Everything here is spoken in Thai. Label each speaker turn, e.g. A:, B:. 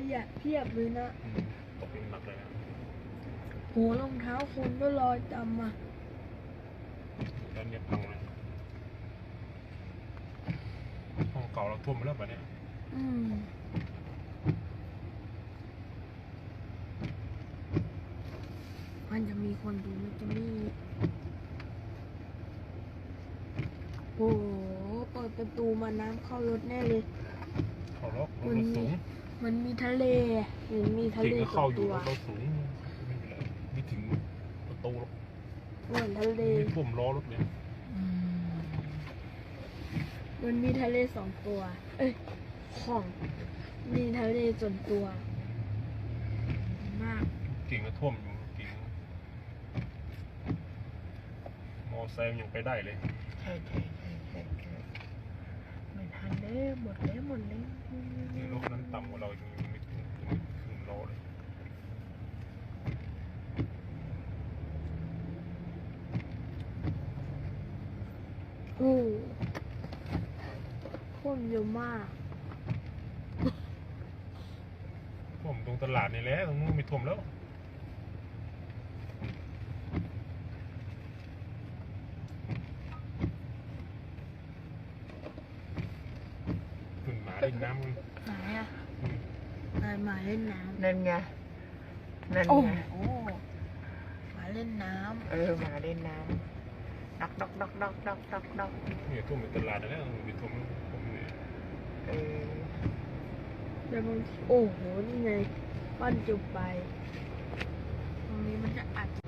A: ยะเพียบเลยนะ
B: ตกหนักเลยนะ
A: โหรองเท้าคนก็ลอยตามมา
B: ด้านนี้พังเลยห้องเก่าเราท่วมไปแล้วแบบนี้
A: มันจะมีคนดูมันจะมีโอ้โหเปิดประตูมาน้ำเข้ารถแน่เลย
B: เข้ารถสูง
A: มันมีทะเลเห็นมีทะเล
B: เข้าอยู่เราสูงไม่ถึงประตูหรอก
A: เหมือนทะเล
B: ไม่ท่วมล้อรถเนี่ย
A: มันมีทะเล2 ตัวของมีทะเลส่วนตัวมาก
B: กิ่งก็ท่วมอยู่กิ่งมอไซค์ยังไปได้เลย
A: ใช่ไม่ทันเลยหมดเลย
B: รถนั้นต่ำกว่าเรายังไม่ถึงล้อเลย
A: ท่วมเยอะมาก
B: ท่วมตรงตลาดนี่แหละตรงนู้นไม่ท่วมแล้วขึ้นหมาเล่นน้ำ
A: ไหนอ่ะหมาเล่นน้ำ
C: นั่นไง
A: โอ้หมาเล่นน้ำ
C: หมาเล่นน้ำดอก
B: เนี่ยท่วมเป็นตลาดแล้วมีท่วมเนี่ย
A: แต่บางทีโอ้โหนี่ไงปั้นจุบไปตรงนี้มันจะอัด